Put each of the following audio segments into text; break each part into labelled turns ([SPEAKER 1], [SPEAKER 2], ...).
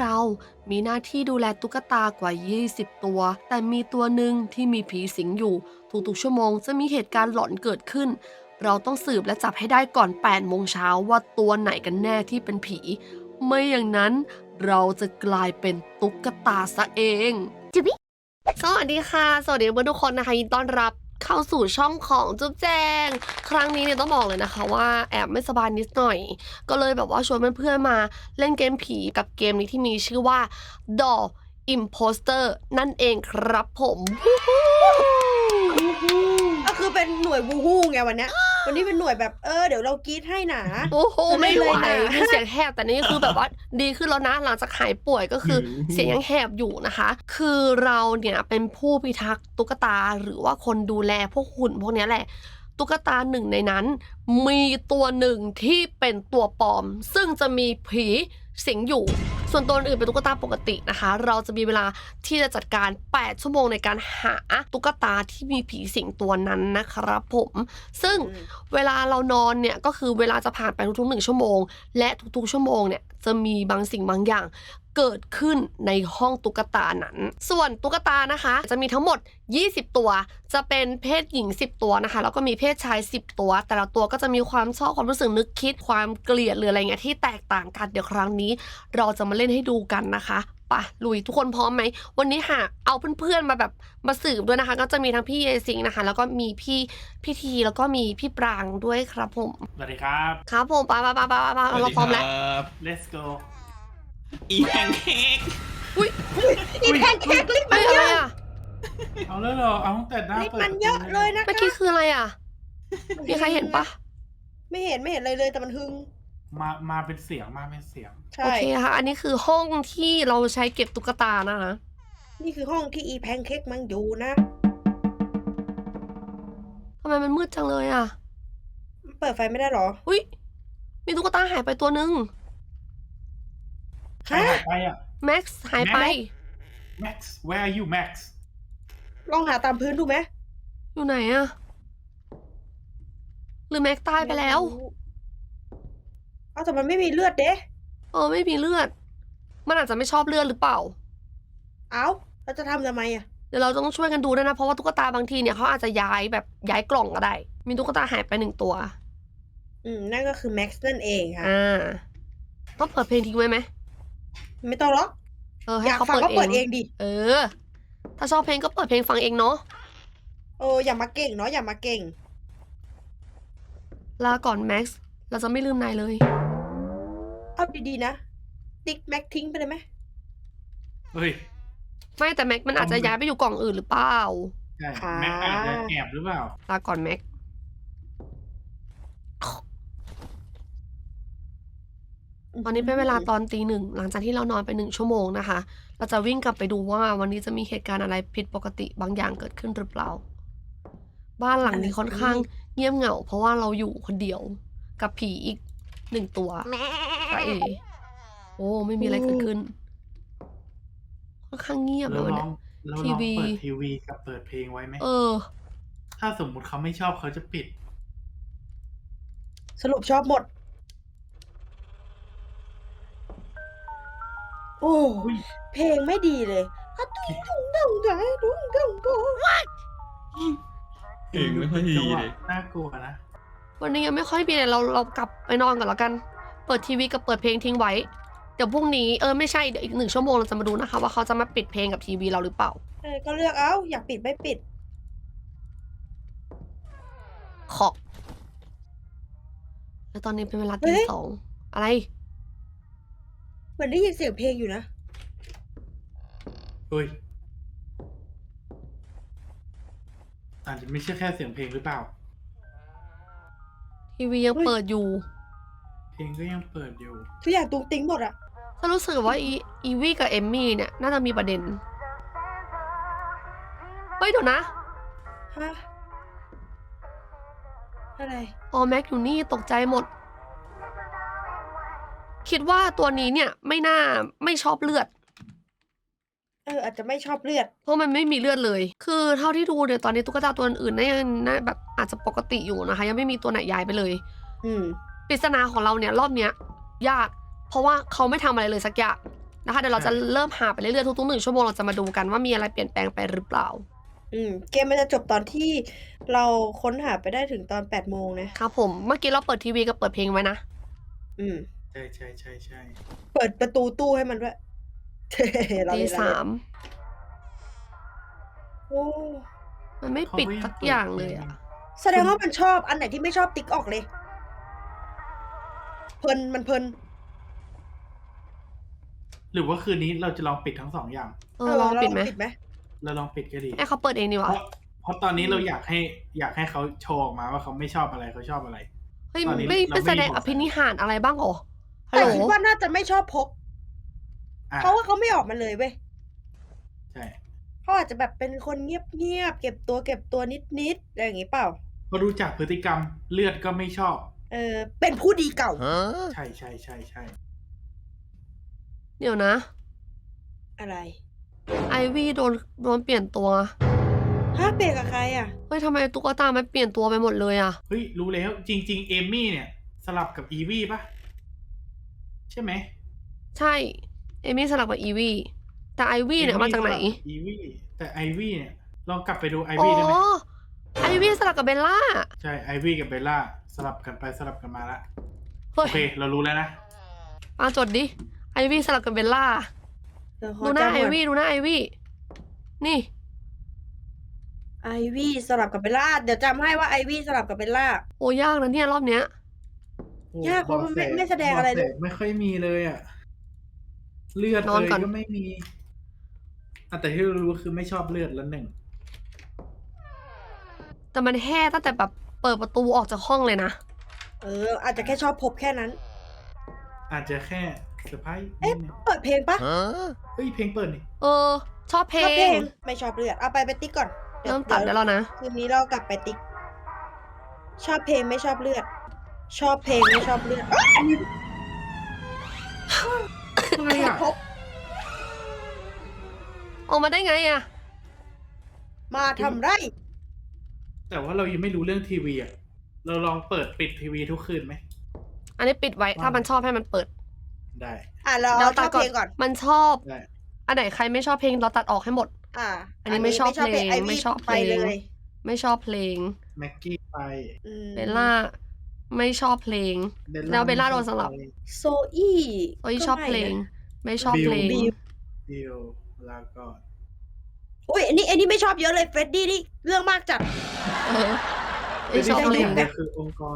[SPEAKER 1] เรามีหน้าที่ดูแลตุ๊กตากว่า 20 ตัว แต่มีตัวหนึ่งที่มีผีสิงอยู่ทุกๆชั่วโมงจะมีเหตุการณ์หลอนเกิดขึ้นเราต้องสืบและจับให้ได้ก่อน 8 โมงเช้าว่าตัวไหนกันแน่ที่เป็นผีไม่อย่างนั้นเราจะกลายเป็นตุ๊กตาซะเองสวัสดีค่ะสวัสดีเพื่อนทุกคนนะคะยินดีต้อนรับเข้าสู่ช่องของจุ๊บแจงครั้งนี้เนี่ยต้องบอกเลยนะคะว่าแอบไม่สบายนิดหน่อยก็เลยแบบว่าชวนเพื่อนๆมาเล่นเกมผีกับเกมนี้ที่มีชื่อว่า Doll Imposter นั่นเองครับผม
[SPEAKER 2] ก็คือเป็นหน่วยวูฮู้ไงวันนี้เป็นหน่วยแบบเดี๋ยวเรากรี๊ดให้หนา
[SPEAKER 1] โอ้โหไม่ไหว
[SPEAKER 2] เลย
[SPEAKER 1] มีเสียงแหบแต่นี่คือแบบว่าดีขึ้นแล้วนะหลังจากหายป่วยก็คือเสียงยังแหบอยู่นะคะคือเราเนี่ยเป็นผู้พิทักษ์ตุ๊กตาหรือว่าคนดูแลพวกหุ่นพวกนี้แหละตุ๊กตาหนึ่งในนั้นมีตัวหนึ่งที่เป็นตัวปลอมซึ่งจะมีผีสิงอยู่ส่วนตัวอื่นเป็นตุ๊กตาปกตินะคะเราจะมีเวลาที่จะจัดการ8ชั่วโมงในการหาตุ๊กตาที่มีผีสิงตัวนั้นนะครับผมซึ่งเวลาเรานอนเนี่ยก็คือเวลาจะผ่านไปทุกๆ1ชั่วโมงและทุกๆชั่วโมงเนี่ยจะมีบางสิ่งบางอย่างเกิดขึ้นในห้องตุ๊กตานั้นส่วนตุ๊กตานะคะจะมีทั้งหมด20ตัวจะเป็นเพศหญิง10ตัวนะคะแล้วก็มีเพศชาย10ตัวแต่ละตัวก็จะมีความชอบความรู้สึกนึกคิดความเกลียดหรืออะไรเงี้ยที่แตกต่างกันเดี๋ยวครั้งนี้เราจะมาเล่นให้ดูกันนะคะปะลุยทุกคนพร้อมไหมวันนี้ค่ะเอาเพื่อนๆมาแบบมาสืบด้วยนะคะก็จะมีทั้งพี่เยซิงนะคะแล้วก็มีพี่ทีแล้วก็มีพี่ปรางด้วยครับผม
[SPEAKER 3] สวัสดีครับ
[SPEAKER 1] ครับผมไปเราพร้อมแล้ว
[SPEAKER 3] let's go
[SPEAKER 4] อีแพนเค้ก
[SPEAKER 1] อุ้ย
[SPEAKER 2] อีแพนเค้กลิปมั
[SPEAKER 1] ไม่
[SPEAKER 2] น
[SPEAKER 1] อะไร
[SPEAKER 2] เยอะ
[SPEAKER 1] อ่ะ
[SPEAKER 3] เอาเลยเหรอเอาตั้งแต่หน้า
[SPEAKER 2] ลิป
[SPEAKER 3] เปิด
[SPEAKER 2] มันเยอะเลยนะ
[SPEAKER 1] เมื่อกี้คืออะไรอ่ะมีใครเห็นปะ
[SPEAKER 2] ไม่เห็นเลยแต่มันหึง
[SPEAKER 3] มาเป็นเสียงมาเป็นเสียง
[SPEAKER 2] ใช่
[SPEAKER 1] โอเคค่ะอันนี้คือห้องที่เราใช้เก็บตุ๊กตานะคะ
[SPEAKER 2] นี่คือห้องที่อีแพนเค้กมันอยู่นะ
[SPEAKER 1] ทำไมมันมืดจังเลยอ่ะ
[SPEAKER 2] เปิดไฟไม่ได้หรอ
[SPEAKER 1] อุ้ยมีตุ๊กตาหายไปตัวนึง
[SPEAKER 3] ใคร
[SPEAKER 2] ฮะ
[SPEAKER 3] หายไปอ่ะ
[SPEAKER 1] แม็กซ์หายไป
[SPEAKER 3] Max where are you Max
[SPEAKER 2] ลองหาตามพื้นดูไหม
[SPEAKER 1] อยู่ไหนอ่ะหรือแม็กซ์ตายไปแล้ว
[SPEAKER 2] เอาแต่มันไม่มีเลือดเด้
[SPEAKER 1] ไม่มีเลือด มันอาจจะไม่ชอบเลือดหรือเปล่า
[SPEAKER 2] เอาเราจะทำไมอ่ะ
[SPEAKER 1] เดี๋ยวเราต้องช่วยกันดูด้วยนะเพราะว่าตุ๊กตาบางทีเนี่ยเขาอาจจะย้ายกล่องก็ได้ มีตุ๊กตาหายไป1ตัว
[SPEAKER 2] นั่นก็คือแม็กซ์นั่นเองค่ะ
[SPEAKER 1] ต้องเปิดเพลงทิ้งไว้ไหม
[SPEAKER 2] ไม่ต้องหรอก
[SPEAKER 1] ให้
[SPEAKER 2] อยาก
[SPEAKER 1] เขา
[SPEAKER 2] ฟัง
[SPEAKER 1] เปิด
[SPEAKER 2] ก็
[SPEAKER 1] เอ
[SPEAKER 2] เปิด
[SPEAKER 1] ง
[SPEAKER 2] เองดิ
[SPEAKER 1] ถ้าชอบเพลงก็เปิดเพลงฟังเองเนาะ
[SPEAKER 2] อย่ามาเก่งเนาะอย่ามาเก่ง
[SPEAKER 1] ลาก่อนแม็กซ์เราจะไม่ลืมนายเลย
[SPEAKER 2] เอาดีๆนะ ติ๊กแม็กทิ้งไปเลยไหม
[SPEAKER 3] เฮ้ย
[SPEAKER 1] ไม่แต่แม็กมันอาจจะย้ายไปอยู่กล่องอื่นหรือเปล่า
[SPEAKER 3] ใช่
[SPEAKER 2] ค่ะ
[SPEAKER 3] แม็กอาจจะแอบหรือเปล่า
[SPEAKER 1] ลาก่อนแม็กตอนนี้เป็นเวลาตอนตี 1หลังจากที่เรานอนไป1ชั่วโมงนะคะ เราจะวิ่งกลับไปดูว่าวันนี้จะมีเหตุการณ์อะไรผิดปกติบางอย่างเกิดขึ้นหรือเปล่า บ้านหลังนี้ค่อนข้างเงียบเหงา เพราะว่าเราอยู่คนเดียวกับผีอีก1ตัวตาเอโอ้ไม่มีอะไรเกิดขึ้น ค่อนข้างเงียบเล
[SPEAKER 3] แล้
[SPEAKER 1] ยว วัน
[SPEAKER 3] ล
[SPEAKER 1] เนี้
[SPEAKER 3] อง
[SPEAKER 1] ย
[SPEAKER 3] แล้ว
[SPEAKER 1] ที
[SPEAKER 3] ลอง
[SPEAKER 1] วี
[SPEAKER 3] เปิดทีวีกับเปิดเพลงไว้ไหม ถ้าสมมุติเขาไม่ชอบเขาจะปิด
[SPEAKER 2] สรุปชอบหมด โอ้
[SPEAKER 3] อุ้ย
[SPEAKER 2] เพลงไม่ดีเลยอะตุ้งตุ้งตุ้งตุ้งตุ้งตุ้งตุ้ง
[SPEAKER 4] เองไม่ค่อยดีเลย
[SPEAKER 3] น่ากลัวนะ
[SPEAKER 1] วันนี้ยังไม่ค่อยมีเลยเรากลับไปนอนก่อนแล้วกัน เปิดทีวีกับเปิดเพลงทิ้งไว้ เดี๋ยวพรุ่งนี้ไม่ใช่เดี๋ยวอีก1ชั่วโมงเราจะมาดูนะคะว่าเขาจะมาปิดเพลงกับทีวีเราหรือเปล่า
[SPEAKER 2] ก็เลือกเอาอยากปิดไม่ปิด
[SPEAKER 1] ขอบแล้วตอนนี้เป็นเวลาตี 2อะไร
[SPEAKER 2] เหมือนได้ยินเสียงเพลงอยู่นะ
[SPEAKER 3] เฮ้ย อาจจะไม่ใช่แค่เสียงเพลงหรือเปล่า
[SPEAKER 1] ทีวียังเปิดอยู่
[SPEAKER 3] เพลงก็ยังเปิดอยู่
[SPEAKER 2] ทุกอย่างตุ้งติ้งหมดอะ
[SPEAKER 1] ถ้ารู้สึกว่าอีวี่กับเอมมี่เนี่ยน่าจะมีประเด็น เฮ้ยเดี๋ยวนะ
[SPEAKER 2] ฮะอะไร
[SPEAKER 1] แม็กอยู่นี่ตกใจหมด คิดว่าตัวนี้เนี่ยไม่ชอบเลือด
[SPEAKER 2] อาจจะไม่ชอบเลือด
[SPEAKER 1] เพราะมันไม่มีเลือดเลย คือเท่าที่ดูเนี่ยตอนนี้ตุ๊กตาตัวอื่นๆน่าแบบอาจจะปกติอยู่นะคะ ยังไม่มีตัวไหนย้ายไปเลย
[SPEAKER 2] อืม
[SPEAKER 1] ปริศนาของเราเนี่ยรอบเนี้ยยาก เพราะว่าเขาไม่ทำอะไรเลยสักอย่างนะคะเดี๋ยวเราจะเริ่มหาไปเรื่อยๆทุกๆ1 ชั่วโมงเราจะมาดูกันว่ามีอะไรเปลี่ยนแปลงไปหรือเปล่า
[SPEAKER 2] เกมมันจะจบตอนที่เราค้นหาไปได้ถึงตอน8 โมงนะครับ
[SPEAKER 1] ผมเมื่อกี้เราเปิดทีวีกับเปิดเพลงไว้นะ
[SPEAKER 2] อืม
[SPEAKER 3] ใช่ใช่ใช่ใช่
[SPEAKER 2] เปิดประตูตู้ให้มันด้วย เรา
[SPEAKER 1] ตี
[SPEAKER 2] เล่นเรา
[SPEAKER 1] สา
[SPEAKER 2] เล่น
[SPEAKER 1] ม
[SPEAKER 2] โอ้
[SPEAKER 1] มันไม่ปิดสักอย่างเลยอ่ะ
[SPEAKER 2] แสดงว่ามันชอบอันไหนที่ไม่ชอบติ๊กออกเลย เพลินมันเพลิน
[SPEAKER 3] หรือว่าคืนนี้เราจะลองปิดทั้ง2 อย่าง
[SPEAKER 1] ลองปิดไหม
[SPEAKER 2] ปิดไหม
[SPEAKER 3] เราลองปิดก็ดี
[SPEAKER 1] ให้เขาเปิดเองดีกว่า
[SPEAKER 3] เพราะตอนนี้เราอยากให้เขาโชว์ออกมาว่าเขาไม่ชอบอะไรเขาชอบอะไร
[SPEAKER 1] เฮ้ย
[SPEAKER 3] ตอนนี้
[SPEAKER 1] ไม่
[SPEAKER 3] เราไม่
[SPEAKER 1] แสดง
[SPEAKER 3] บอก
[SPEAKER 1] อภินิหารอะไรบ้างเหรอฮัล
[SPEAKER 2] แต่
[SPEAKER 1] โหล
[SPEAKER 2] คิดว่าน่าจะไม่ชอบพก
[SPEAKER 3] อ่ะ
[SPEAKER 2] เพราะว่าเขาไม่ออกมาเลยเว้ย
[SPEAKER 3] ใช่
[SPEAKER 2] เขาอาจจะแบบเป็นคนเงียบๆเก็บตัวนิดๆอะไรอย่างงี้เปล่า
[SPEAKER 3] พอดูจากพฤติกรรมเลือดก็ไม่ชอบ
[SPEAKER 2] เป็นผู้ดีเก่า
[SPEAKER 3] ใช่ใช่ใช่ใช่
[SPEAKER 1] เดี๋ยวนะ
[SPEAKER 2] อะไร
[SPEAKER 1] ไอวี่โดนเปลี่ยนตัว
[SPEAKER 2] เปลี่ยนกับใครอ่ะ
[SPEAKER 1] เฮ้ยทำไมตุ๊กตามันเปลี่ยนตัวไปหมดเลยอ่ะ
[SPEAKER 3] เฮ้ยรู้แล้วจริง ๆ เอมมี่เนี่ย สลับกับอีวี่ปะใช่ไหม
[SPEAKER 1] ใช่ เอมี่สลับกับอีวี่แต่ไอวี่เนี่ยมาจากไหน
[SPEAKER 3] อีวี่แต่ไอวี่เนี่ยลองกลับไปดูไอ
[SPEAKER 1] อ๋อ
[SPEAKER 3] วี่ได้ไหม
[SPEAKER 1] ไอวี่สลับกับเบลล่า
[SPEAKER 3] ใช่ไอวี่กับเบลล่าสลับกันไปสลับกันมาละ
[SPEAKER 1] เฮ้
[SPEAKER 3] โอย เค เรารู้แล้วนะ
[SPEAKER 1] มาจดดิ ไอวี่สลับกับเบลล่า ดูหน้าไอวี่ดูหน้าไอวี่ นี่
[SPEAKER 2] ไอวี่สลับกับเบลล่า เดี๋ยวจำให้ว่าไอวี่สลับกับเบลล่า
[SPEAKER 1] โอ้ยากนะเนี่ยรอบเนี้ย
[SPEAKER 2] ยากเพราะมันไม่แสดงอะไรเลย
[SPEAKER 3] บกแสไม่ค่อยมีเลยอ่ะ เลือด
[SPEAKER 1] นอนก่อน
[SPEAKER 3] ก็ไม่มีแต่ที่รู้คือไม่ชอบเลือดแล้วหนึ่ง
[SPEAKER 1] แต่มันแห่ตั้งแต่แบบเปิดประตูออกจากห้องเลยนะ
[SPEAKER 2] อาจจะแค่ชอบพบแค่นั้น
[SPEAKER 3] อาจจะแค่เซอร์ไพรส์
[SPEAKER 2] เอ๊ะ
[SPEAKER 3] นิดนึง
[SPEAKER 2] เปิดเพลงปะ
[SPEAKER 3] เฮ้ยเพลงเปิดนี่
[SPEAKER 1] ชอบเพล
[SPEAKER 2] ชอบเพล
[SPEAKER 1] ง
[SPEAKER 2] ง ไม่ชอบเลือด เอาไปติ๊กก่อน
[SPEAKER 1] เริ่มตัดได้แล้วนะ
[SPEAKER 2] คืนนี้เรากลับไปติ๊ก ชอบเพลงไม่ชอบเลือด ชอบเพลงไม่ชอบเลือด
[SPEAKER 3] อะไรอ่ะ
[SPEAKER 2] พบ
[SPEAKER 1] ออกมาได้ไงอะ
[SPEAKER 2] มาทำไร
[SPEAKER 3] แต่ว่าเรายังไม่รู้เรื่องทีวีอ่ะ เราลองเปิดปิดทีวีทุกคืนไหม
[SPEAKER 1] อันนี้ปิดไว้ ถ้ามันชอบให้มันเปิด
[SPEAKER 3] ได้
[SPEAKER 2] เรา
[SPEAKER 1] เดี๋ยว
[SPEAKER 2] ช
[SPEAKER 1] ตั
[SPEAKER 2] อ
[SPEAKER 1] ด
[SPEAKER 2] บเพลงก่อน
[SPEAKER 1] มันชอบ
[SPEAKER 3] ได้
[SPEAKER 1] อันไหนใครไม่ชอบเพลงเราตัดออกให้หมด อันนี้ไม่ชอบเพลง
[SPEAKER 2] ไอวี่
[SPEAKER 1] ไม่ชอบเพลง
[SPEAKER 2] ไปเลย
[SPEAKER 1] ไม่ชอบเพลง
[SPEAKER 3] แม็กกี้ไป
[SPEAKER 1] เบลล่า ไม่ชอบเพลง แล้วเบลล่าโดนสลับ
[SPEAKER 2] โซอี้
[SPEAKER 1] โอ้ยชอบเพลง ไม่ชอบเพลง
[SPEAKER 2] บิว
[SPEAKER 3] บิวลาก่อน
[SPEAKER 2] อุ้ยอันนี้ไม่ชอบเยอะเลยเฟรดดี้นี่เรื่องมากจัด
[SPEAKER 1] เออไม่ชอบเพลง
[SPEAKER 2] ได้
[SPEAKER 3] คือองค์กร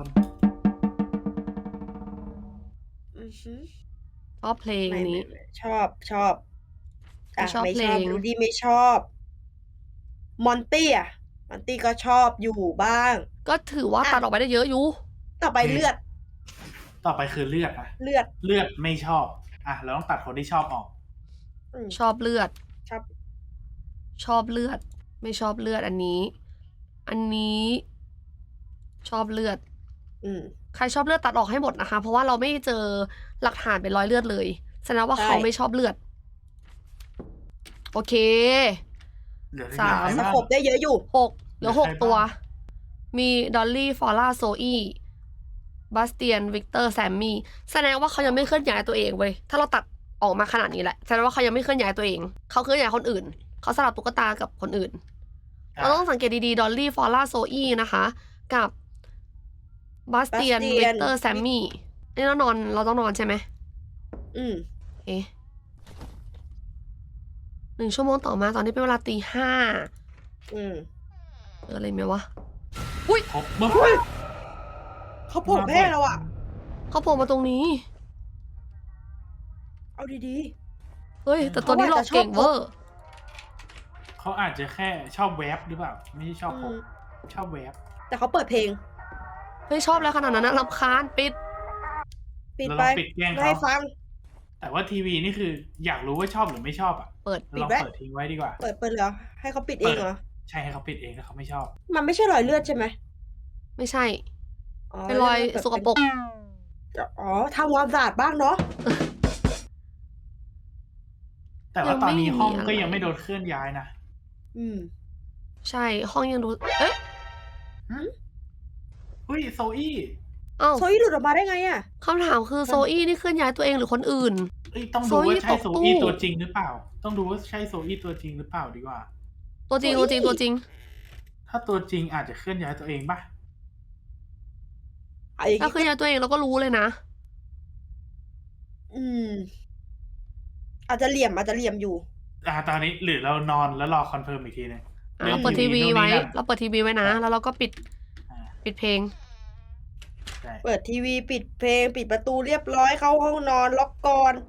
[SPEAKER 1] ชอบเพลงนี้
[SPEAKER 2] ไม่ชอบ
[SPEAKER 1] ไม่ชอบ
[SPEAKER 2] ไม่
[SPEAKER 1] เพล
[SPEAKER 2] ชอบ
[SPEAKER 1] ง
[SPEAKER 2] ดูดีไม่ชอบมอนตี้มอนตี้ก็ชอบอยู่บ้าง
[SPEAKER 1] ก็ถือว่าตัดออกไปได้เยอะอยู่
[SPEAKER 2] ต่อไปเลือด
[SPEAKER 3] ต่อไปคือเลือดนะ
[SPEAKER 2] เลือด
[SPEAKER 3] เลือดไม่ชอบ เราต้องตัดคนที่ชอบออก
[SPEAKER 1] ชอบเลือด
[SPEAKER 2] ชอบ
[SPEAKER 1] ชอบเลือด ไม่ชอบเลือดอันนี้ อันนี้ ชอบเลือด ใครชอบเลือดตัดออกให้หมดนะคะ เพราะว่าเราไม่เจอหลักฐานเป็นรอยเลือดเลยแสดงว่าเขาไม่ชอบเลือด โอเค
[SPEAKER 3] เหลือ
[SPEAKER 1] สาม
[SPEAKER 3] ใคร
[SPEAKER 2] ส
[SPEAKER 3] บ้าง
[SPEAKER 2] กบได้เยอะอยู่
[SPEAKER 1] เหลือ
[SPEAKER 3] เหลือใคร
[SPEAKER 1] 6 ตัว
[SPEAKER 3] บ้าง
[SPEAKER 1] มีดอลลี่ฟอร่าโซอี้บาสเตียนวิกเตอร์แซมมี่แสดงว่าเขายังไม่เคลื่อนย้ายตัวเองเว้ยถ้าเราตัดออกมาขนาดนี้แหละแสดงว่าเขายังไม่เคลื่อนย้ายตัวเองเขาเคลื่อนย้ายคนอื่นเขาสลับตุ๊กตากับคนอื่น เราต้องสังเกตดีๆดอลลี่ฟอร่าโซอี้นะคะ กับบาสเตียน
[SPEAKER 2] Bastian
[SPEAKER 1] วิกเตอร์แซมมี่นี่เราต้องนอนใช่ไหม เอ๊ะ1 ชั่วโมงต่อมาตอนนี้เป็นเวลาตี 5อะไรไหมวะ
[SPEAKER 3] ครบมั้ง
[SPEAKER 2] เขาโผล่แม่เราอ่ะ
[SPEAKER 1] เขาโผล่มาตรงนี้
[SPEAKER 2] เอาดี
[SPEAKER 1] เฮ้ย แต่ตัวนี้หลอกเก่งเวอร์
[SPEAKER 3] เขาอาจจะแค่ชอบแวบหรือเปล่า ไม่ใช่ชอบพกชอบแวบ
[SPEAKER 2] แต่เขาเปิดเพลง
[SPEAKER 1] เฮ้ยชอบแล้วขนาดนั้นนะรำคาญปิด
[SPEAKER 2] ปิด
[SPEAKER 3] เรา
[SPEAKER 2] ไป
[SPEAKER 3] ลองปิดแกล้ง
[SPEAKER 2] ไม่
[SPEAKER 3] เขา
[SPEAKER 2] ให้ฟัง
[SPEAKER 3] แต่ว่าทีวีนี่คืออยากรู้ว่าชอบหรือไม่ชอบอ่ะ
[SPEAKER 1] เปิด
[SPEAKER 3] เราลองเปิดทิ้งไว้ดีกว่า
[SPEAKER 2] เปิดเหรอ ให้เขาปิดเองเหรอ
[SPEAKER 3] ใช่ให้เขาปิดเองถ้าเขาไม่ชอบ
[SPEAKER 2] มันไม่ใช่รอยเลือดใช่ไหม
[SPEAKER 1] ไม่ใช่ เป็นรอยสกปรก
[SPEAKER 2] ทำความสะอาดบ้างเนาะ
[SPEAKER 3] แต่ว่าตอนนี้ห้องก็
[SPEAKER 1] ยังไม่มีอะไร
[SPEAKER 3] ยังไม่โดนเคลื่อนย้ายนะ
[SPEAKER 1] ใช่ห้องยังดู เอ๊ะ
[SPEAKER 3] เฮ้ยโซอี้
[SPEAKER 1] เอ้า
[SPEAKER 2] โซอี้หลุดออกมาได้ไงอะ
[SPEAKER 1] คำถามคือโซอี้นี่เคลื่อนย้ายตัวเองหรือคนอื่น
[SPEAKER 3] เอ้ยต้อง
[SPEAKER 1] โซ
[SPEAKER 3] ดู
[SPEAKER 1] อี้
[SPEAKER 3] ว่าใช่
[SPEAKER 1] ตก
[SPEAKER 3] โซ
[SPEAKER 1] ตู้
[SPEAKER 3] อี้ตัวจริงหรือเปล่า ต้องดูว่าใช่โซอี้ตัวจริงหรือเปล่าดีกว่า
[SPEAKER 1] ตัวจริง
[SPEAKER 2] โซอี้
[SPEAKER 1] ตัวจริง
[SPEAKER 3] ถ้าตัวจริงอาจจะเคลื่อนย้ายตัวเองป่ะ
[SPEAKER 2] เอาอย่าง
[SPEAKER 1] ถ้า
[SPEAKER 2] งี้
[SPEAKER 1] เคลื่อนย้ายตัวเองเราก็รู้เลยนะ
[SPEAKER 2] อืม อาจจะเหลี่ยมอยู่
[SPEAKER 3] ตอนนี้หรือเรานอนแล้วรอคอนเฟิร์มอีกทีนึง
[SPEAKER 1] เราเปิดทีวี
[SPEAKER 3] นู่น
[SPEAKER 1] ไว้
[SPEAKER 3] นี่นั่น
[SPEAKER 1] เราเปิดทีวีไว้นะ แล้วเราก็ปิด
[SPEAKER 3] อ่า
[SPEAKER 1] เพลง
[SPEAKER 3] ใช่
[SPEAKER 2] เปิดทีวีปิดเพลงปิดประตูเรียบร้อยเข้าห้องนอนล็อกกลอน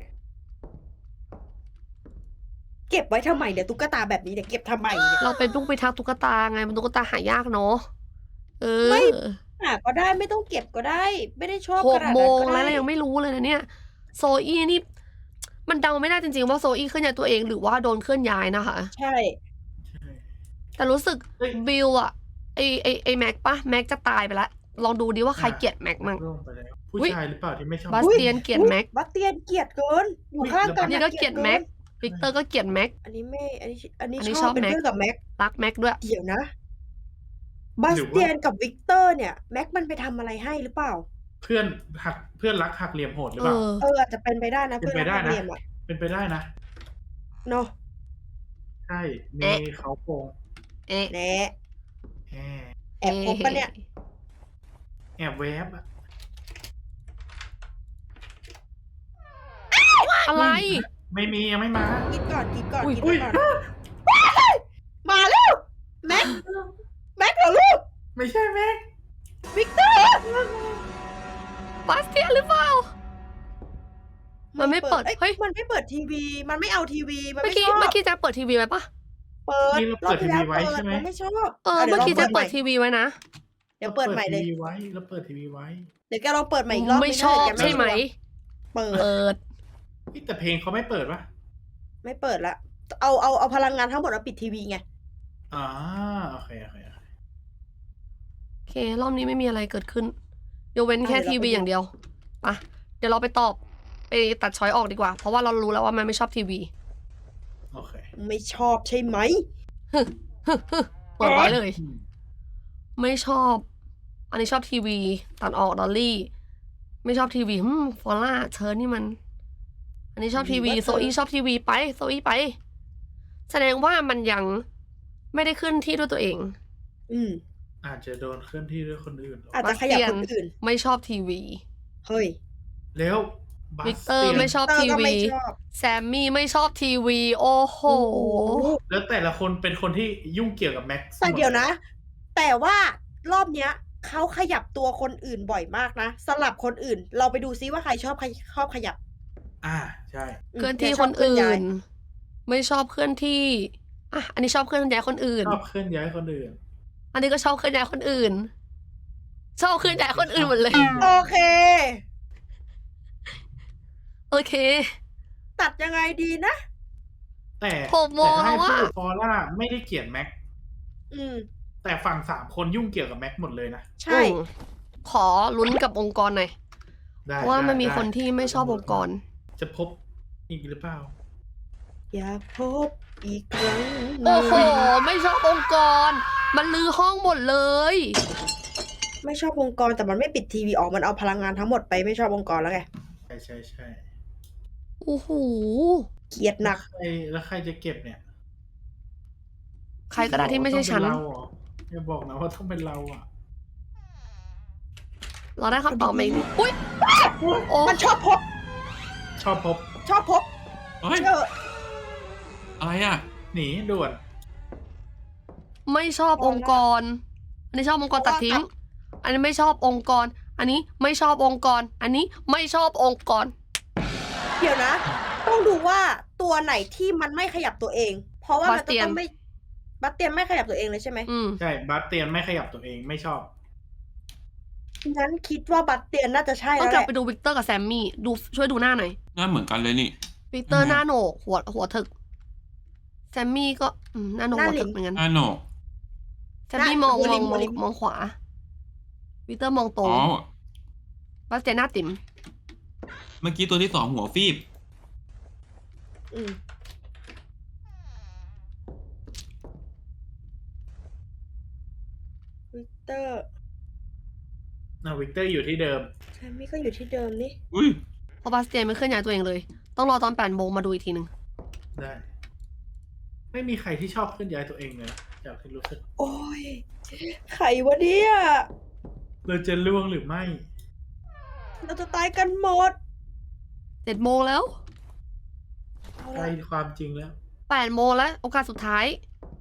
[SPEAKER 2] เก็บไว้ทำไมเนี่ยตุ๊กตาแบบนี้เนี่ยเก็บทำไมเนี่ย
[SPEAKER 1] เราเป็นผู้พิทักษ์ตุ๊กตาไงมันตุ๊กตาหายากเนาะ เอ
[SPEAKER 2] ไม่
[SPEAKER 1] อ
[SPEAKER 2] ก็ได้ไม่ต้องเก็บก็ได้ ไม่ได้ชอบ
[SPEAKER 1] ห
[SPEAKER 2] ข
[SPEAKER 1] ก
[SPEAKER 2] นาด
[SPEAKER 1] โม
[SPEAKER 2] นั้น
[SPEAKER 1] ง
[SPEAKER 2] ก็
[SPEAKER 1] แล้ว
[SPEAKER 2] ได้
[SPEAKER 1] เรายังไม่รู้เลยนะเนี่ย โซอี้นี่ มันเดาไม่ได้จริงๆว่าโซอี้เคลื่อนย้ายตัวเองหรือว่าโดนเคลื่อนย้ายนะคะ
[SPEAKER 2] ใช่
[SPEAKER 3] ใช่
[SPEAKER 1] แต่รู้สึก
[SPEAKER 3] เฮ้ย
[SPEAKER 1] บิลอะไอแม็กปะแม็กจะตายไปแล้วลองดูดิว่าใครเกลียดแม็กมั่ง
[SPEAKER 3] ร่วงไปแล้วผู้
[SPEAKER 1] อุ๊ย
[SPEAKER 3] ชายหรือเปล่าที่ไม่ชอบบ
[SPEAKER 1] าสเตียนเกลียดแม็ก
[SPEAKER 2] บัสเตียนเกลียดเกิน อยู่ข้างกัน
[SPEAKER 1] นี่ก็เกลียดแม็ก วิกเตอร์ก็เกลียดแม็ก
[SPEAKER 2] อันนี้ไม่ อันนี้
[SPEAKER 1] อันนี้
[SPEAKER 2] ช
[SPEAKER 1] ช
[SPEAKER 2] อ
[SPEAKER 1] อ
[SPEAKER 2] บบ เป็น
[SPEAKER 1] แม็ก
[SPEAKER 2] เพื่อนกับแม็ก
[SPEAKER 1] รักแม็กด้วย
[SPEAKER 2] เดี๋ยวนะบัสเตียนกับวิกเตอร์เนี่ยแม็กมันไปทำอะไรให้หรือเปล่า
[SPEAKER 3] เพื่อนรักหักเหลี่ยมโหดหรือ
[SPEAKER 1] เอ
[SPEAKER 3] เปล่า
[SPEAKER 1] อ
[SPEAKER 2] อาจจะเป็นไปได้นะ
[SPEAKER 3] เป็นไปได้
[SPEAKER 2] พื่อ
[SPEAKER 3] นะ
[SPEAKER 2] เรียนอะ
[SPEAKER 3] เป็นไปได้นะ
[SPEAKER 2] เนาะ
[SPEAKER 3] ใช่ มี
[SPEAKER 1] เอ๊ะ
[SPEAKER 3] เขาโกง
[SPEAKER 1] เอ๊ะ
[SPEAKER 2] แน่
[SPEAKER 3] แอบ
[SPEAKER 2] แอบคบปะเนี่ย
[SPEAKER 3] แอบแวบอะ
[SPEAKER 1] อะไร
[SPEAKER 3] ไม่มียังไม่มา
[SPEAKER 2] กินก่อน
[SPEAKER 1] อุ๊ย
[SPEAKER 2] กินก่อนมาแล้วแม็กเหรอลูก
[SPEAKER 3] ไม่ใช่แม็ก
[SPEAKER 2] วิกเตอร์
[SPEAKER 1] บาสเตียนหรือเปล่า มันไม่เปิด
[SPEAKER 2] อ้
[SPEAKER 1] เฮ้ย
[SPEAKER 2] มันไม่เปิดทีวี มันไม่เอาทีวี มัน
[SPEAKER 1] เมื่อ
[SPEAKER 2] ไม่
[SPEAKER 1] กี้
[SPEAKER 2] ชอบ
[SPEAKER 1] เมื่อกี้จะเปิดทีวีไว้ปะ
[SPEAKER 2] เปิด
[SPEAKER 3] นี่เราเปิดทีวีไว้ใช่ไหม
[SPEAKER 2] มันไม่ชอบ
[SPEAKER 1] เออ
[SPEAKER 2] ดี๋
[SPEAKER 1] เมื่
[SPEAKER 2] ยว
[SPEAKER 1] อกี้จะ
[SPEAKER 2] ลง
[SPEAKER 1] เปิดทีวีไว้นะ
[SPEAKER 2] เดี๋ยวเปิดใหม่เลย
[SPEAKER 3] เราเปิดทีวีไว้
[SPEAKER 2] เดี๋ยวแกลองเปิดใหม่อีกรอบ
[SPEAKER 1] ไม่ชอบ
[SPEAKER 2] แก
[SPEAKER 1] ใช่ไหม
[SPEAKER 2] เปิด
[SPEAKER 1] เปิด
[SPEAKER 3] แต่เพลงเขาไม่เปิดปะ
[SPEAKER 2] ไม่เปิดละ เอาพลังงานทั้งหมดมาปิดทีวีไง
[SPEAKER 3] อ่าโอเค
[SPEAKER 1] โอเค รอบนี้ไม่มีอะไรเกิดขึ้นยกเว้นแค่
[SPEAKER 2] เดี๋ยวเรา
[SPEAKER 1] ทีวี
[SPEAKER 2] ไปดู
[SPEAKER 1] อย่างเดียวปะเดี๋ยวเราไปตัดช้อยออกดีกว่า เพราะว่าเรารู้แล้วว่ามันไม่ชอบทีวี
[SPEAKER 3] โอเค
[SPEAKER 2] ไม่ชอบใช่ไหม
[SPEAKER 1] เปิดไว้เลย
[SPEAKER 3] อืม
[SPEAKER 1] ไม่ชอบ อันนี้ชอบทีวี ตัดออกดอลลี่ ไม่ชอบทีวีฟอล่าเธอนี่มัน อันนี้ชอบทีวี
[SPEAKER 2] ว่าเธอ
[SPEAKER 1] โซอี้ชอบทีวีไป โซอี้ไป แสดงว่ามันยังไม่ได้ขึ้นที่ด้วยตัวเอง
[SPEAKER 2] อืม
[SPEAKER 3] อาจจะโดนเคลื่อนที่ด้วยคนอื่นเหรอ
[SPEAKER 2] อาจจะขยับคนอื่น
[SPEAKER 1] ไม่ชอบทีวี
[SPEAKER 2] เฮ้ย
[SPEAKER 3] แล้วบา
[SPEAKER 1] วิ
[SPEAKER 3] ส
[SPEAKER 1] กเตอร์
[SPEAKER 3] ตียน
[SPEAKER 1] ไม่ชอบ
[SPEAKER 2] เตอ
[SPEAKER 1] ที
[SPEAKER 2] ร์ก็
[SPEAKER 1] วี
[SPEAKER 2] ไม่ชอบ
[SPEAKER 1] แซมมี่ไม่ชอบทีวี โอ้โห
[SPEAKER 3] แล้วแต่ละคนเป็นคนที่ยุ่งเกี่ยวกับแม็กซ์
[SPEAKER 2] แต่เดี๋ยวนะ แต่ว่ารอบเนี้ยเขาขยับตัวคนอื่นบ่อยมากนะ สลับคนอื่น เราไปดูซิว่าใครชอบขยับ
[SPEAKER 3] ใช่
[SPEAKER 1] เคลื่อนที่
[SPEAKER 2] แกช
[SPEAKER 1] ค
[SPEAKER 2] บ
[SPEAKER 1] น
[SPEAKER 2] เลื่
[SPEAKER 1] อื่
[SPEAKER 2] ย้าย
[SPEAKER 1] น ไม่ชอบเคลื่อนที่อ่ะอันนี้ชอบเคลื่อนย้ายคนอื่น
[SPEAKER 3] ชอบเคลื่อนย้ายคนอื่น
[SPEAKER 1] อันนี้ก็ชอบเคลื่อนย้ายคนอื่น ชอบเคลื่อนย้ายคนอื่นหมดเลย
[SPEAKER 2] โอเค
[SPEAKER 1] โอเค
[SPEAKER 2] ตัดยังไงดีนะ
[SPEAKER 3] แต่
[SPEAKER 1] ผมมอง
[SPEAKER 3] แต่ถ้าให้
[SPEAKER 1] ว่า
[SPEAKER 3] พูดฟอร่าไม่ได้เกลียดแม็กซ์
[SPEAKER 2] อืม
[SPEAKER 3] แต่ฝั่ง3 คนยุ่งเกี่ยวกับแม็กซ์หมดเลยนะ
[SPEAKER 2] ใช่
[SPEAKER 1] ขอลุ้นกับองค์กรหน่อย
[SPEAKER 3] ได้
[SPEAKER 1] เพราะว่ามันมี
[SPEAKER 3] ได้
[SPEAKER 1] คนที่ไม่ชอบองค์กร
[SPEAKER 3] จะพบอีกหรือเปล่า
[SPEAKER 2] อยากพบอีกครั้ง
[SPEAKER 1] โอ้โห ไม่ชอบองค์กร มันลือห้องหมดเลย
[SPEAKER 2] ไม่ชอบองค์กรแต่มันไม่ปิดทีวีออกมันเอาพลังงานทั้งหมดไปไม่ชอบองค์กรแล้วไง
[SPEAKER 3] ใช่
[SPEAKER 1] โอ้โห
[SPEAKER 2] เกลียดหนัก
[SPEAKER 3] แล้วใครจะเก็บเนี่ย
[SPEAKER 1] ใครก็ได้ที่ไม่ใช่ฉัน
[SPEAKER 3] ต้องเป็นเราเหรออย่าบอกนะว่าต้องเป็นเราอ่ะ
[SPEAKER 1] เราได้คำตอบมาอีกนิดอุ้ยโอ้
[SPEAKER 2] มันชอบพบ
[SPEAKER 3] ชอบพบ
[SPEAKER 2] ชอบพบ
[SPEAKER 4] เฮ้ย
[SPEAKER 2] เออ
[SPEAKER 4] อะไรอ่ะ
[SPEAKER 3] หนีด่วน
[SPEAKER 1] ไม่ชอบองค์กร อันนี้ชอบองค์กรตัดทิ้ง อันนี้ไม่ชอบองค์กร อันนี้ไม่ชอบองค์กร อันนี้ไม่ชอบองค์กร
[SPEAKER 2] เดี๋ยวนะ ต้องดูว่าตัวไหนที่มันไม่ขยับตัวเอง เพราะว่ามันจะต้องไม่บัสเตียนไม่ขยับตัวเองเลยใช่ไหม
[SPEAKER 1] อืม
[SPEAKER 3] ใช่บาสเตียนไม่ขยับตัวเองไม่ชอบ
[SPEAKER 2] งั้นคิดว่าบัสเตียนน่าจะใช่
[SPEAKER 1] ต้อ
[SPEAKER 2] แล้
[SPEAKER 1] ง
[SPEAKER 2] ว
[SPEAKER 1] ก
[SPEAKER 2] แห
[SPEAKER 1] ลับ
[SPEAKER 2] ละ
[SPEAKER 1] ไปดูวิกเตอร์กับแซมมี่ดูช่วยดูหน้าหน่อย
[SPEAKER 4] หน้าเหมือนกันเลยนี่
[SPEAKER 1] วิกเตอร์
[SPEAKER 4] ทำไม
[SPEAKER 1] หน้าโหนกหัวถึก แซมมี่ก็หน้าโหนกหัวถึกเหมือนกัน
[SPEAKER 4] หน้าโหนก
[SPEAKER 1] แซมมี่มองขวา วิกเตอร์มองตร
[SPEAKER 4] อ๋
[SPEAKER 1] ง
[SPEAKER 4] อ
[SPEAKER 1] บาสเตียนหน้าติ๋ม
[SPEAKER 4] เมื่อกี้ตัวที่2หัวฟีบ
[SPEAKER 2] อืมวิกเตอร์
[SPEAKER 3] วิกเตอร์อยู่ที่เดิม
[SPEAKER 2] แซมมี่ก็อยู่ที่เดิมนี่
[SPEAKER 4] อุ้ย
[SPEAKER 1] เพราะบาสเตียนไม่เคลื่อนย้ายตัวเองเลย ต้องรอตอน8 โมงมาดูอีกทีหนึ่ง
[SPEAKER 3] ได้ ไม่มีใครที่ชอบเคลื่อนย้ายตัวเองเลยนะจากที่รู้สึก
[SPEAKER 2] โอ้ยใครวะเนี่ย
[SPEAKER 3] เราจะล่วงหรือไม่
[SPEAKER 2] เราจะตายกันหมด
[SPEAKER 1] 7 โมงแล้ว
[SPEAKER 2] เอา
[SPEAKER 3] ใกล้
[SPEAKER 2] ละ
[SPEAKER 3] ความจริงแล้ว
[SPEAKER 1] 8 โมงแล้ว โอกาสสุดท้าย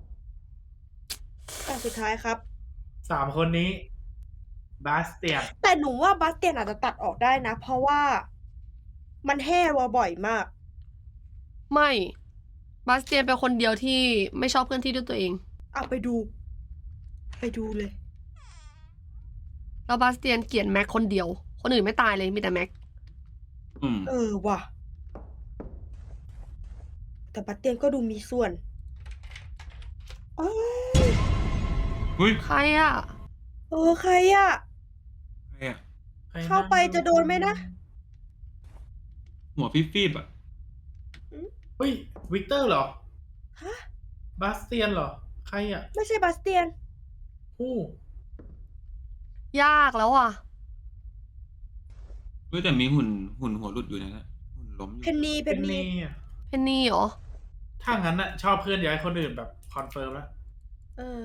[SPEAKER 2] แต่สุดท้ายครับ
[SPEAKER 3] 3 คนนี้ บาสเตียน
[SPEAKER 2] แต่หนูว่าบาสเตียนอาจจะตัดออกได้นะ เพราะว่ามันแห่วบ่อยมาก
[SPEAKER 1] ไม่ บาสเตียนเป็นคนเดียวที่ไม่ชอบเคลื่อนที่ด้วยตัวเอง
[SPEAKER 2] เอาไปดู ไปดูเลย
[SPEAKER 1] แล้วบาสเตียนเกลียดแม็กคนเดียว คนอื่นไม่ตายเลยมีแต่แม็ก
[SPEAKER 4] อืม
[SPEAKER 2] เออว่ะ แต่บาสเตียนก็ดูมีส่วนเอ้ย
[SPEAKER 4] อุ้ย
[SPEAKER 1] ใครอ่ะ
[SPEAKER 2] ใครอะ
[SPEAKER 4] ใครอะ
[SPEAKER 3] ใคร
[SPEAKER 2] เข้าไปจะโดนไหมนะ
[SPEAKER 4] หัวฟีบๆอ่ะ
[SPEAKER 3] เฮ้ย วิกเตอร์เหรอ
[SPEAKER 2] ฮะ
[SPEAKER 3] บาสเตียนเหรอ ใครอ่ะ
[SPEAKER 2] ไม่ใช่บาสเตียน
[SPEAKER 3] อู้
[SPEAKER 1] ยากแล้วอ่ะ
[SPEAKER 4] เฮ้ยแต่มีหุ่นหัวหลุดอยู่นะฮะหุ่นล้มอ
[SPEAKER 2] เพ
[SPEAKER 4] ยู่
[SPEAKER 2] นนี
[SPEAKER 3] เป็นนี่อะ
[SPEAKER 1] เพนนี่เหรอ
[SPEAKER 3] ถ้างั้นน่ะ ชอบเคลื่อนย้ายคนอื่นแบบคอนเฟิร์มแล้ว
[SPEAKER 2] เออ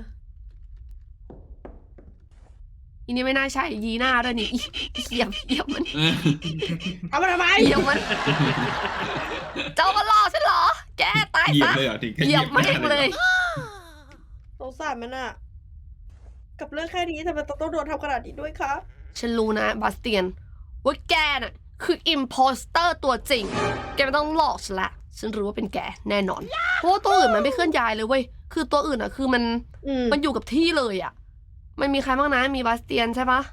[SPEAKER 1] อีนี่ไม่น่าใช่ยีหน้าด้วยนี่เหยียบมัน
[SPEAKER 4] เออ
[SPEAKER 2] เอามาทำไม
[SPEAKER 1] เหยียบมัน เจ้ามาล่อฉันเหรอ แกตาย
[SPEAKER 4] เหยียบ
[SPEAKER 1] ซะ
[SPEAKER 4] เลยเหรอถึงขั้น
[SPEAKER 1] เหยียบแม่งเลย
[SPEAKER 2] สงสารมันอะกับเรื่องแค่นี้ทำไมต้องโดนทำขนาดนี้ด้วยคะ
[SPEAKER 1] ฉันรู้นะบาสเตียน ว่าแกน่ะ คืออิมโพสเตอร์ตัวจริง แกไม่ต้องหลอกฉันละ ฉันรู้ว่าเป็นแกแน่นอน เพราะว่าตัวอื่นมันไม่เคลื่อนย้ายเลยเว้ย คือตัวอื่นอ่ะ คือมัน
[SPEAKER 2] อืม
[SPEAKER 1] มันอยู่กับที่เลยอ่ะ มันมีใครบ้างนะ มีบาสเตียนใช่ปะ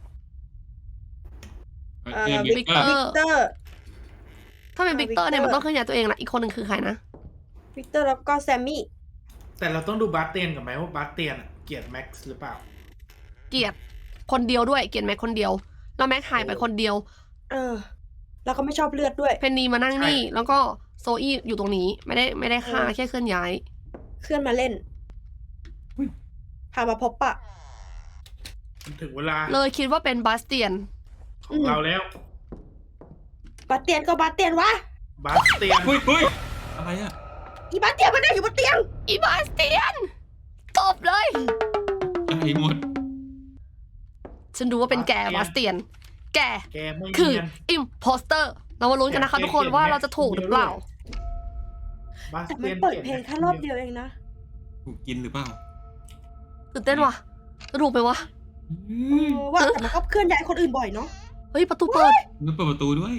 [SPEAKER 4] เนี่ย
[SPEAKER 2] วิ
[SPEAKER 4] วิ
[SPEAKER 2] ก
[SPEAKER 4] กเตอร์
[SPEAKER 2] วิกเตอร์
[SPEAKER 1] ถ้าเป็นวิกเตอร์เนี่ย
[SPEAKER 2] วิ
[SPEAKER 1] มั
[SPEAKER 2] ก
[SPEAKER 1] น
[SPEAKER 2] เตอร์
[SPEAKER 1] ต้องเคลื่อนย้ายตัวเองละ อีกคนหนึ่งคือใครนะ
[SPEAKER 2] วิกเตอร์แล้วก็แซมมี่
[SPEAKER 3] แต่เราต้องดูบาสเตียนกับไหมว่าบาสเตียนอะเกลียดแม็กซ์หรือเปล่า
[SPEAKER 1] เกลียดคนเดียวด้วย เกลียดแม็กคนเดียว แล้วแม็กหายไปคนเดียว
[SPEAKER 2] เออ แล้วก็ไม่ชอบเลือดด้วย
[SPEAKER 1] เพนนีมานั่งนี่ แล้วก็โซอี้อยู่ตรงนี้ ไม่ได้ฆ่า
[SPEAKER 2] เออ
[SPEAKER 1] แค่เคลื่อนย้าย
[SPEAKER 2] เคลื่อนมาเล่น
[SPEAKER 4] อุ๊ย
[SPEAKER 2] พามาพบปะ
[SPEAKER 3] มันถึงเวลา
[SPEAKER 1] เลยคิดว่าเป็นบาสเตียน
[SPEAKER 3] ของเราแล้ว
[SPEAKER 2] บาสเตียนก็บาสเตียนวะ
[SPEAKER 3] บาสเตียน
[SPEAKER 4] เฮ้ยเฮ้ยอะไรอ่ะ
[SPEAKER 2] อีบาสเตียนมันนั่งอยู่บนเตียง
[SPEAKER 1] อีบาสเตียน ตบเลย
[SPEAKER 4] ใจหมด
[SPEAKER 1] ฉันรู้ว่าเป็นแกบาสเตียน แก
[SPEAKER 3] แกไม่
[SPEAKER 1] คือ
[SPEAKER 3] เนียน
[SPEAKER 1] อิมโพสเตอร์ เรามาลุ้นกันนะคะทุกคนว่าเราจะถูกหรือเปล่า
[SPEAKER 3] บาส
[SPEAKER 2] แต่
[SPEAKER 3] เตี
[SPEAKER 2] มัน
[SPEAKER 3] ยน
[SPEAKER 2] เปิดเพลงแค่รอบเดียวเองนะ
[SPEAKER 4] ถูกกินหรือเปล่า
[SPEAKER 1] ตื่นเต้นว่ะ จะถูกไหมวะ
[SPEAKER 2] ว่าแต่มันก็เคลื่อนย้ายคนอื่นบ่อยเนาะ
[SPEAKER 1] เฮ้ย ประตูเปิด
[SPEAKER 4] มันเปิดประตูด้วย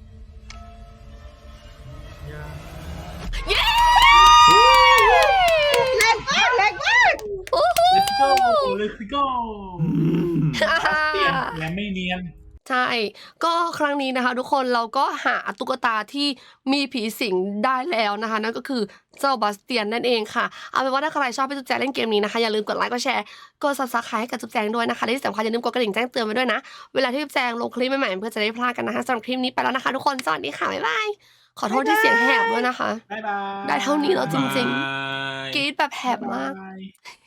[SPEAKER 1] เย้
[SPEAKER 2] แรงมากแรงมาก
[SPEAKER 1] โอ้โห
[SPEAKER 3] Let's go Let's go บาสเตียนและไม่เนียน
[SPEAKER 1] ใช่ ก็ครั้งนี้นะคะ ทุกคนเราก็หาตุ๊กตาที่มีผีสิงได้แล้วนะคะ นั่นก็คือเจ้าบาสเตียนนั่นเองค่ะ เอาเป็นว่าถ้าใครชอบพี่จุ๊บแจงเล่นเกมนี้นะคะ อย่าลืมกดไลค์กดแชร์กด subscribe ให้กับจุ๊บแจงด้วยนะคะและที่สำคัญอย่าลืมกดกระดิ่งแจ้งเตือนไว้ด้วยนะ เวลาที่จุ๊บแจงลงคลิปใหม่ๆเพื่อจะได้ไม่พลาดกันนะคะสำหรับคลิปนี้ไปแล้วนะคะ ทุกคนสวัสดีค่ะบ๊ายบายขอโทษที่เสียงแหบด้วยนะคะ
[SPEAKER 3] บ๊ายบาย
[SPEAKER 1] ได้เท่านี้แล้วจริง
[SPEAKER 4] บาย
[SPEAKER 1] ๆกรี๊ดแบบแหบมาก
[SPEAKER 3] บ๊ยบย